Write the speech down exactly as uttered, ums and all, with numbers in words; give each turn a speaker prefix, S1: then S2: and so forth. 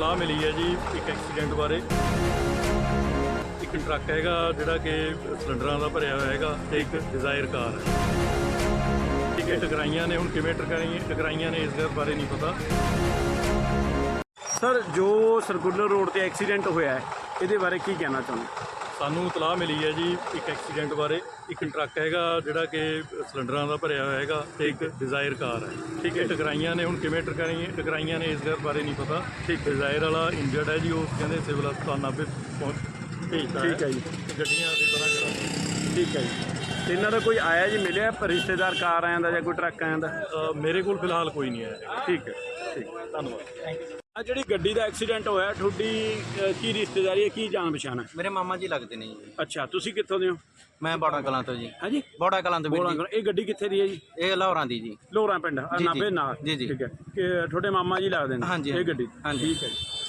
S1: ਤਲਾਹ ਮਿਲੀ ਹੈ ਜੀ ਇੱਕ ਐਕਸੀਡੈਂਟ ਬਾਰੇ। ਇੱਕ ਟਰੱਕ ਹੈਗਾ ਜਿਹੜਾ ਕਿ ਸਿਲੰਡਰਾਂ ਦਾ ਭਰਿਆ ਹੋਇਆ ਹੈਗਾ ਤੇ ਇੱਕ ਡਿਜ਼ਾਇਰ ਕਾਰ ਹੈ। ਠੀਕ ਹੈ, ਟਕਰਾਈਆਂ ਨੇ। ਹੁਣ ਕਿਵੇਂ ਟਕਰਾਈਆਂ ਟਕਰਾਈਆਂ ਨੇ ਇਸ ਗੱਲ ਬਾਰੇ ਨਹੀਂ ਪਤਾ।
S2: ਸਰ, ਜੋ ਸਰਕੂਲਰ ਰੋਡ ਤੇ ਐਕਸੀਡੈਂਟ ਹੋਇਆ ਹੈ ਇਹਦੇ ਬਾਰੇ ਕੀ ਕਹਿਣਾ ਚਾਹੁੰਦੇ?
S1: ਸਾਨੂੰ ਤਲਾਹ ਮਿਲੀ ਹੈ ਜੀ ਇੱਕ ਐਕਸੀਡੈਂਟ ਬਾਰੇ। ਇੱਕ ਟਰੱਕ ਹੈਗਾ ਜਿਹੜਾ ਕਿ ਸਿਲੰਡਰਾਂ ਦਾ ਭਰਿਆ ਹੋਇਆ ਹੈਗਾ ਤੇ ਇੱਕ ਡਿਜ਼ਾਇਰ ਕਾਰ ਹੈ। ਠੀਕ ਹੈ, ਟਕਰਾਈਆਂ ਨੇ। ਹੁਣ ਕਿਵੇਂ ਟਕਰਾਈਆਂ ਟਕਰਾਈਆਂ ਨੇ ਇਸ ਗੱਲ ਬਾਰੇ ਨਹੀਂ ਪਤਾ। ਠੀਕ, ਡਿਜ਼ਾਇਰ ਵਾਲਾ ਇੰਜਰਡ ਹੈ ਜੀ, ਉਹ ਕਹਿੰਦੇ ਸਿਵਲ ਹਸਪਤਾਲ ਨਾਭੇ ਪਹੁੰਚ ਭੇਜਤਾ।
S2: ਠੀਕ ਹੈ ਜੀ,
S1: ਗੱਡੀਆਂ ਦੀ ਤਰ੍ਹਾਂ ਕਰਾ।
S2: ਠੀਕ ਹੈ ਜੀ। ਤੇ ਇਹਨਾਂ ਦਾ ਕੋਈ ਆਇਆ ਜੀ, ਮਿਲਿਆ ਰਿਸ਼ਤੇਦਾਰ ਕਾਰ ਆਇਆ ਦਾ ਜਾਂ ਕੋਈ ਟਰੱਕ ਆਇਆ ਦਾ?
S1: ਅ, ਮੇਰੇ ਕੋਲ ਫਿਲਹਾਲ ਕੋਈ ਨਹੀਂ ਆਇਆ।
S2: ਠੀਕ ਹੈ, ਠੀਕ।
S1: ਧੰਨਵਾਦ।
S2: ਆ ਜਿਹੜੀ ਗੱਡੀ ਦਾ ਐਕਸੀਡੈਂਟ ਹੋਇਆ, ਤੁਹਾਡੀ ਅ, ਕੀ ਰਿਸ਼ਤੇਦਾਰੀ ਹੈ, ਕੀ ਜਾਣ ਪਛਾਣ ਹੈ?
S3: ਮੇਰੇ ਮਾਮਾ ਜੀ ਲੱਗਦੇ ਨੇ ਜੀ।
S2: ਅੱਛਾ, ਤੁਸੀਂ ਕਿੱਥੋਂ ਦੇ ਹੋ?
S3: ਮੈਂ ਬੋੜਾ ਕਲਾਂ ਤੋਂ ਜੀ।
S2: ਹਾਂਜੀ,
S3: ਬੋੜਾ ਕਲਾਂ ਤੋਂ ਵੀਰ
S2: ਬੋਲਾਂ
S3: ਜੀ।
S2: ਕਰੋ। ਇਹ ਗੱਡੀ ਕਿੱਥੇ ਦੀ ਹੈ ਜੀ?
S3: ਇਹ ਲਾਹੌਰਾਂ ਦੀ ਜੀ।
S2: ਲੋਹਰਾਂ ਪਿੰਡ, ਆਹ
S3: ਜੀ,
S2: ਨਾਭੇ
S3: ਜੀ।
S2: ਨਾਲ।
S3: ਜੀ, ਜੀ।
S2: ਠੀਕ ਹੈ, ਕਿ ਤੁਹਾਡੇ ਮਾਮਾ ਜੀ ਲੱਗਦੇ ਨੇ
S3: ਹਾਂਜੀ,
S2: ਇਹ ਗੱਡੀ?
S3: ਹਾਂਜੀ।
S2: ਠੀਕ ਹੈ ਜੀ।